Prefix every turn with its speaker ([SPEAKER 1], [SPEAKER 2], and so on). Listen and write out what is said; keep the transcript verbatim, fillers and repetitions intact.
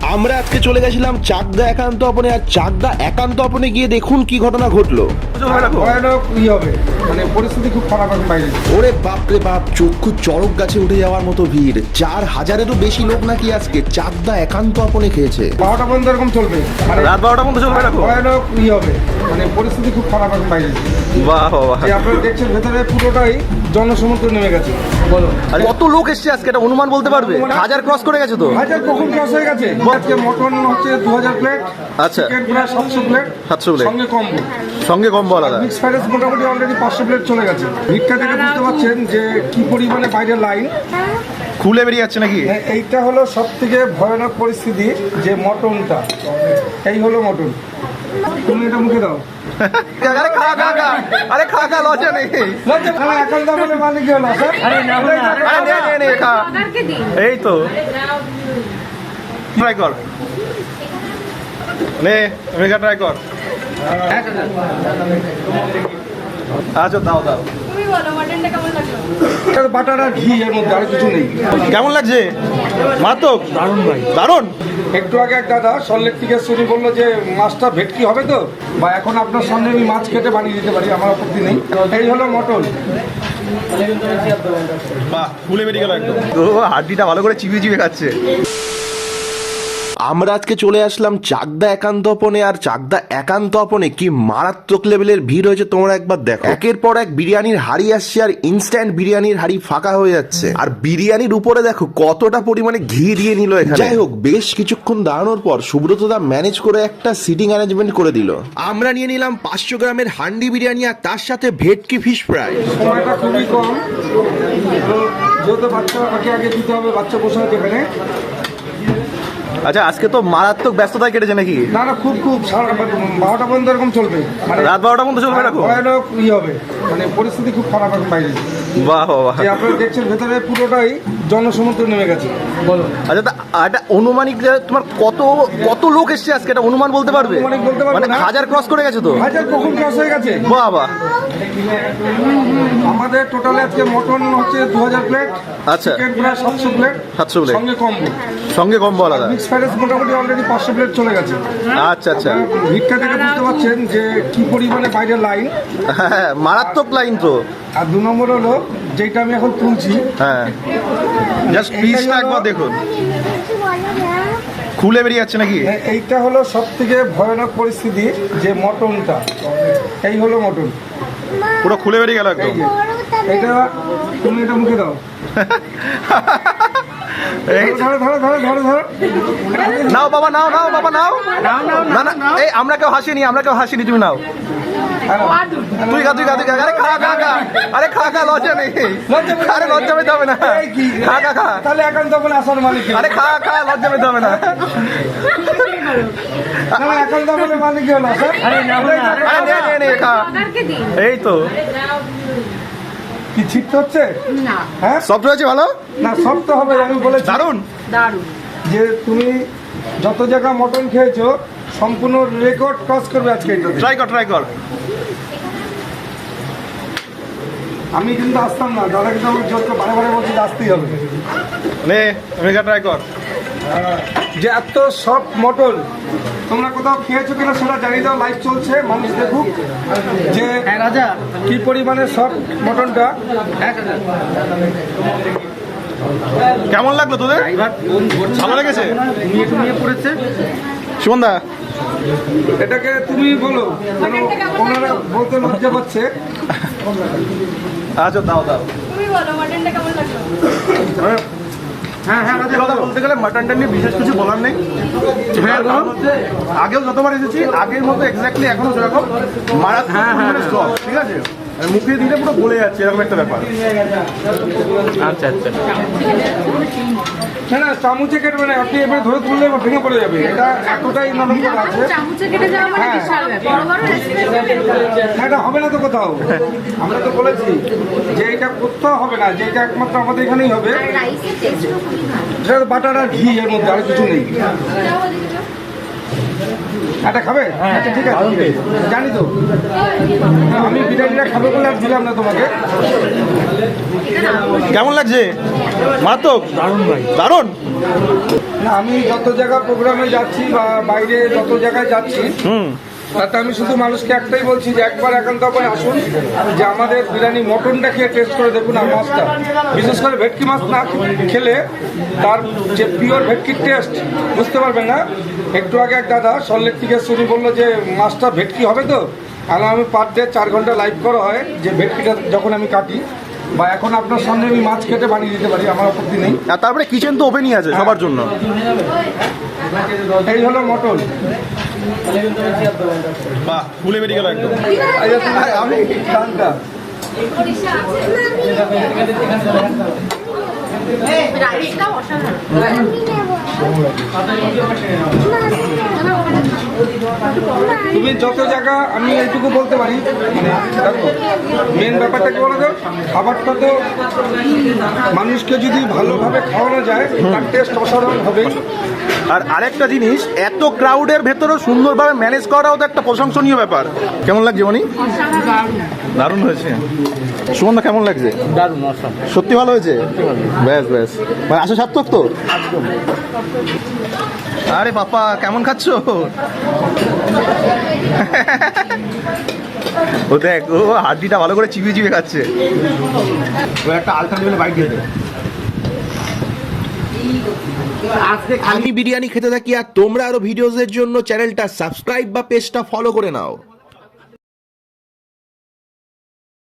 [SPEAKER 1] আমরা আজকে চলে গেছিলাম চাকদা একান্ত অপনে, আর চাকদা একান্ত অপনে গিয়ে দেখুন কি ঘটনা ঘটলো।
[SPEAKER 2] মানে পরিস্থিতি খুব খারাপ হবে বাইরে।
[SPEAKER 1] ওরে বাপরে বাপ, চক্ষু চড়ক গাছে উঠে যাওয়ার মতো ভিড়। চার হাজারেরও বেশি লোক নাকি আজকে চাকদা একান্ত অপনে খেয়েছে।
[SPEAKER 2] বারোটা পর্যন্ত এরকম চলবে, মানে
[SPEAKER 3] রাত বারোটা পর্যন্ত চলবে এরকম
[SPEAKER 2] ভয়ানক ই হবে, মানে পরিস্থিতি খুব খারাপ হবে বাইরে।
[SPEAKER 3] বাহ বাহ,
[SPEAKER 2] যে আপনারা দেখছেন ভেতরে পুরোটাই জনসমুদ্র নেমে গেছে। বলো
[SPEAKER 3] কত লোক এসছে আজকে, এটা অনুমান বলতে পারবে? হাজার ক্রস করে গেছে তো।
[SPEAKER 2] হাজার কখন ক্রস হয়ে গেছে। আজকে মটন হচ্ছে দু হাজার প্লেট,
[SPEAKER 3] আচ্ছা
[SPEAKER 2] চিকেন প্রায় সাতশো প্লেট,
[SPEAKER 3] সাতশো প্লেট
[SPEAKER 2] সঙ্গে কম্বো,
[SPEAKER 3] সঙ্গে কম্বো আলাদা।
[SPEAKER 2] মিক্স ফ্রাইড রাইস মোটামুটি অলরেডি পাঁচশো প্লেট চলে গেছে। ভিড়টা থেকে বুঝতে পারছেন যে কি পরিমাণে বাইরের লাইন।
[SPEAKER 3] খুলে বেরিয়ে যাচ্ছে নাকি?
[SPEAKER 2] এইটা হলো সব থেকে ভয়ানক পরিস্থিতি, যে মটনটা, এই হলো মটন। তুমি এটা মুখে দাও।
[SPEAKER 3] আরে খা খা খা, আরে খা খা, লজ্জা নেই।
[SPEAKER 2] লজ্জা খানা এখন তো বলে মালিক হলো স্যার।
[SPEAKER 3] আরে নে নে নে খা। এই তো ট্রাই কর, নে মেগা ট্রাই কর। আচ্ছা দাও দাও।
[SPEAKER 2] বাটার আর ঘি এর মধ্যে, আর কিছু নেই।
[SPEAKER 3] কেমন লাগছে? মারাত্মক, দারুণ ভাই, দারুণ।
[SPEAKER 2] একটু আগে এক দাদা সল্টলেক থেকে শুনি বললো যে মাছটা ভেটকি হবে তো, বা এখন আপনার সামনে আমি মাছ কেটে বানিয়ে দিতে পারি, আমার আপত্তি নেই। এই হলো মটন।
[SPEAKER 3] বাহ, খুলে বেরিয়ে গেল একদম। ও হাড্ডিটা ভালো করে চিবিয়ে চিবিয়ে খাচ্ছে।
[SPEAKER 1] আমরা আজকে চলে আসলাম চাকদা একান্ত অপনে, আর চাকদা একান্ত অপনে কি মারাত্মক লেভেলের ভিড় হয়েছে তোমরা একবার দেখো। একের পর এক বিরিয়ানির হাড়ি আসছে, আর ইনস্ট্যান্ট বিরিয়ানির হাড়ি ফাঁকা হয়ে যাচ্ছে। আর বিরিয়ানির উপরে দেখো কতটা পরিমাণে ঘি দিয়ে নিল এখানে। যাই হোক, বেশ কিছুক্ষণ দাঁড়ানোর পর সুব্রত দা ম্যানেজ করে একটা সিটিং অ্যারেঞ্জমেন্ট করে দিল। আমরা নিয়ে নিলাম পাঁচশো গ্রামের হান্ডি বিরিয়ানি, আর তার সাথে ভেটকি ফিশ ফ্রাই।
[SPEAKER 2] সময়টা খুবই কম, যেহেতু বাচ্চা আগে আগে দিতে হবে, বাচ্চা বসে আছে এখানে।
[SPEAKER 3] আচ্ছা, আজকে তো মারাত্মক ব্যস্ততায় কেটেছে নাকি?
[SPEAKER 2] না না, খুব খুব বারোটা পর্যন্ত এরকম চলবে, মানে
[SPEAKER 3] রাত বারোটা পর্যন্ত চলবে এরকম।
[SPEAKER 2] ভয়ানক ই হবে, মানে পরিস্থিতি খুব খারাপ হবে বাইরে।
[SPEAKER 3] বাহ বাহ,
[SPEAKER 2] যে আপনারা দেখছেন ভেতরে পুরোটাই জনসমুদ্র নেমে গেছে। বলো
[SPEAKER 3] আচ্ছা, তা এটা অনুমানিক যে তোমার কত কত লোক এসছে আজকে, এটা অনুমান বলতে পারবে?
[SPEAKER 2] অনুমানিক বলতে পারবো
[SPEAKER 3] মানে
[SPEAKER 2] না।
[SPEAKER 3] হাজার ক্রস করে গেছে তো।
[SPEAKER 2] হাজার কখন ক্রস হয়ে গেছে।
[SPEAKER 3] বাহ বাহ,
[SPEAKER 2] আমাদের টোটালে আজকে মটন হচ্ছে দু হাজার প্লেট,
[SPEAKER 3] আচ্ছা
[SPEAKER 2] চিকেন প্রায় সাতশো প্লেট,
[SPEAKER 3] সাতশো প্লেট,
[SPEAKER 2] সঙ্গে কম্বো,
[SPEAKER 3] সঙ্গে কম্বো আলাদা।
[SPEAKER 2] মিক্স ফ্রাইড রাইস মোটামুটি অলরেডি পাঁচশো প্লেট চলে গেছে।
[SPEAKER 3] আচ্ছা আচ্ছা,
[SPEAKER 2] ভিড়টা থেকে বুঝতে পারছেন যে কি পরিমাণে বাইরের লাইন।
[SPEAKER 3] হ্যাঁ মারাত্মক লাইন তো।
[SPEAKER 2] আর দু নম্বর হলো যেটা আমি এখন তুলছি,
[SPEAKER 3] হ্যাঁ জাস্ট পিসটা একবার দেখুন, খুলে বেরিয়ে যাচ্ছে নাকি?
[SPEAKER 2] এইটা হলো সব থেকে ভয়ানক পরিস্থিতি, যে মটনটা, এই হলো মটন।
[SPEAKER 3] পুরো খুলে বেরিয়ে গেল একদম।
[SPEAKER 2] এটা তুমি এটা মুখে দাও। ধরো ধরো ধরো ধরো ধরো।
[SPEAKER 3] নাও বাবা, নাও নাও বাবা, নাও। না না, এই আমরা কেউ হাসিনি, আমরা কেউ হাসিনি, তুমি নাও। তুই খা তুই খা তুই খা, আরে খা খা খা, আরে খা খা, লজ্জা নেই। আরে লজ্জা পেতে হবে না, খা খা খা।
[SPEAKER 2] তাহলে এখন তখন আসার মালিক।
[SPEAKER 3] আরে খা খা, লজ্জা পেতে হবে না।
[SPEAKER 2] এখন তখন মালিক হলো স্যার।
[SPEAKER 3] আরে নে নে নে খা। এই তো
[SPEAKER 2] কি ছিটতে হচ্ছে না? হ্যাঁ
[SPEAKER 3] সব রয়েছে ভালো
[SPEAKER 2] না, সব তো হবে। আমি বলেছি
[SPEAKER 3] দারুন
[SPEAKER 4] দারুন,
[SPEAKER 2] যে তুমি যত জায়গা মটন খেয়েছো সম্পূর্ণ রেকর্ড ক্রস করবে আজকে।
[SPEAKER 3] ট্রাই কর ট্রাই কর।
[SPEAKER 2] আমি কিন্তু আসতাম না, দাদা কিন্তু আমাকে জোর করে বারে বারে বলছি যে আসতেই হবে।
[SPEAKER 3] নে মেগা ট্রাই কর।
[SPEAKER 2] যে এত সব মটন তোমরা কোথাও খেয়েছো কিনা সেটা জানিয়ে দাও, লাইভ চলছে, মানুষ দেখুক যে রাজা কি পরিমাণে সব মটনটা।
[SPEAKER 3] কেমন লাগলো তোদের? ভালো লেগেছে? সুমনদা
[SPEAKER 2] এটাকে তুমি বলো, কেন ওনারা বলতে লজ্জা পাচ্ছে।
[SPEAKER 3] আচ্ছা দাও দাও।
[SPEAKER 4] তুমি বলো মটনটা কেমন লাগলো?
[SPEAKER 3] হ্যাঁ হ্যাঁ, কথা বলতে গেলে মাটনটা নিয়ে বিশেষ কিছু বলার নেই। আগেও যতবার এসেছি আগের মতো এক্স্যাক্টলি এখনো সেরকম মারাত্মক স্টক, ঠিক আছে? মুখে দিলে পুরো গলে যাচ্ছে, এরকম একটা ব্যাপার। আচ্ছা আচ্ছা,
[SPEAKER 2] না না, চামচে কেটবে না, আপনি এবার ধরে তুললে ভেঙে পড়ে যাবে। এটা এতটাই নরম করে আছে,
[SPEAKER 4] চামচে কেটে যাওয়া মানে বিশাল ব্যাপার। বড় বড় রেস্টুরেন্টে
[SPEAKER 2] এটা হবে না তো কোথাও। আমরা তো বলেছি যে এটা কোথাও হবে না, যে এটা একমাত্র আমাদের এখানেই হবে।
[SPEAKER 4] আর রাইসের টেস্টও খুবই ভালো।
[SPEAKER 2] এটা বাটার আর ঘি এর মধ্যে, আর কিছু নেই। এটা খাবে? আচ্ছা ঠিক আছে, জানি তো আমি বিরিয়ানিটা খাবে বলে আর দিলাম না তোমাকে।
[SPEAKER 3] কেমন লাগছে? মারাত্মক দারুণ ভাই দারুণ।
[SPEAKER 2] না, আমি যত জায়গা প্রোগ্রামে যাচ্ছি বা বাইরে যত জায়গায় যাচ্ছি
[SPEAKER 3] হুম
[SPEAKER 2] তাতে আমি শুধু মানুষকে একটাই বলছি যে একবার একান্ত করে আসুন, যে আমাদের বিরিয়ানি মটনটা খেয়ে টেস্ট করে দেখুন, আর মাছটা বিশেষ করে ভেটকি মাছ না খেলে তার যে পিওর ভেটকির টেস্ট বুঝতে পারবেন না। একটু আগে এক দাদা সল্লেক থেকে শুনি বললো যে মাছটা ভেটকি হবে তো, আর আমি পার ডে চার ঘন্টা লাইভ করা হয় যে ভেটকিটা যখন আমি কাটি, বা এখন আপনার সামনে আমি মাছ কেটে বানিয়ে দিতে পারি, আমার আপত্তি নেই।
[SPEAKER 3] আর তারপরে কিচেন তো ওপেনই আছে সবার জন্য।
[SPEAKER 2] এই হলো মটন।
[SPEAKER 3] বাহ ফুলে বেরিয়ে গেল একদম।
[SPEAKER 2] আমি গানটা
[SPEAKER 4] রাইসটা অসাধারণ।
[SPEAKER 2] তুমি যত জায়গা, আমি এইটুকু বলতে পারি, মানে দেখো মেন ব্যাপারটা কি বলো তো, খাবারটা তো মানুষকে যদি ভালোভাবে খাওয়ানো যায় তার টেস্ট অসাধারণ হবে।
[SPEAKER 3] আর আরেকটা জিনিস, এত ক্রাউডের ভেতরেও সুন্দরভাবে ম্যানেজ করাও তো একটা প্রশংসনীয় ব্যাপার। কেমন লাগছে মনি? দারুণ হয়েছে। সুমনদা কেমন লাগছে?
[SPEAKER 5] দারুণ
[SPEAKER 3] সত্যি ভালো হয়েছে। ব্যাস ব্যাস মানে আশা সার্থক তো। আরে বাপ্পা কেমন খাচ্ছ? ও দেখ, ও হাড্ডিটা ভালো করে চিবিয়ে চিবিয়ে খাচ্ছে। ও একটা আলতা লেভেলে বাইক দিয়ে দেবে।
[SPEAKER 1] আমি বিরিয়ানি খেতে থাকি আর তোমরা আরো ভিডিওসের জন্য চ্যানেলটা সাবস্ক্রাইব বা পেজটা ফলো করে নাও।